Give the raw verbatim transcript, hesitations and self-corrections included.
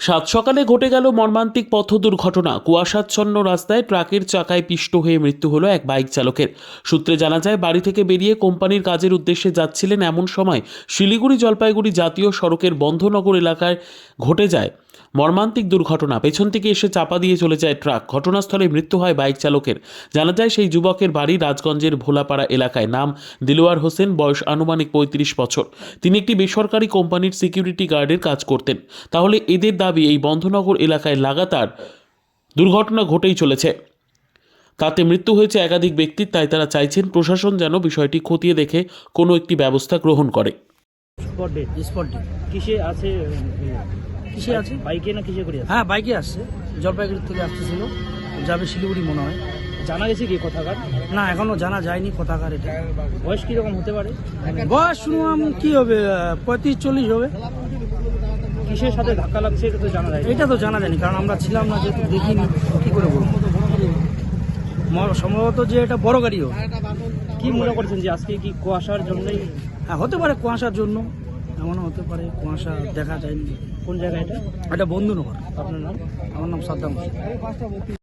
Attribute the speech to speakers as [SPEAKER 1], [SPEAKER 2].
[SPEAKER 1] সাত সকালে ঘটে গেল মর্মান্তিক পথ দুর্ঘটনা। কুয়াশাচ্ছন্ন রাস্তায় ট্রাকের চাকায় পিষ্ট হয়ে মৃত্যু হলো এক বাইক চালকের। সূত্রে জানা যায়, বাড়ি থেকে বেরিয়ে কোম্পানির কাজের উদ্দেশ্যে যাচ্ছিলেন। এমন সময় শিলিগুড়ি জলপাইগুড়ি জাতীয় সড়কের বন্ধনগর এলাকায় ঘটে যায় মর্মান্তিক দুর্ঘটনা। পেছন থেকে এসে চাপা দিয়ে চলে যায় ট্রাক। ঘটনাস্থলে মৃত্যু হয় বাইক চালকের। জানা যায়, সেই যুবকের বাড়ি রাজগঞ্জের ভোলাপাড়া এলাকায়। নাম দিলওয়ার হোসেন, বয়স আনুমানিক পঁয়ত্রিশ বছর। তিনি একটি বেসরকারি কোম্পানির সিকিউরিটি গার্ডের কাজ করতেন। তাহলে এদের দাবি, এই বন্ধনগর এলাকায় লাগাতার দুর্ঘটনা ঘটেই চলেছে, তাতে মৃত্যু হয়েছে একাধিক ব্যক্তির। তাই তারা চাইছেন প্রশাসন যেন বিষয়টি খতিয়ে দেখে কোনো একটি ব্যবস্থা গ্রহণ করে।
[SPEAKER 2] স্পট ডেট
[SPEAKER 3] স্পট ডে
[SPEAKER 2] কিসে আছে?
[SPEAKER 3] কিসে আছে?
[SPEAKER 2] বাইকে না কিসে করে আছে?
[SPEAKER 3] হ্যাঁ, বাইকে আসছে, জলপাইগুড়ি থেকে আসতেছিল, যাবে শিলিগুড়ি মনে হয়।
[SPEAKER 2] জানা গেছে কি কোথাকার?
[SPEAKER 3] না, এখনো জানা যায়নি কোথাকার এটা।
[SPEAKER 2] বয়স কিরকম হতে পারে?
[SPEAKER 3] বয়স শুনলাম কি হবে, পঁয়ত্রিশ চল্লিশ হবে।
[SPEAKER 2] কিসের সাথে ধাক্কা লাগছে এটা তো জানা যায় না।
[SPEAKER 3] এটা তো জানা যায়নি, কারণ আমরা ছিলাম না, যেহেতু দেখিনি, কি করে বলবো। ম- সম্ভবত যে এটা বড় গাড়ি হোক।
[SPEAKER 2] কি মনে করছেন যে আজকে কি কুয়াশার জন্যই?
[SPEAKER 3] হ্যাঁ, হতে পারে কুয়াশার জন্য, এমনও হতে পারে কুয়াশা দেখা যায়নি।
[SPEAKER 2] কোন জায়গায় এটা?
[SPEAKER 3] এটা বন্ধুনগর।
[SPEAKER 2] আপনার নাম?
[SPEAKER 3] আমার নাম সাদ্দাম হোসেন।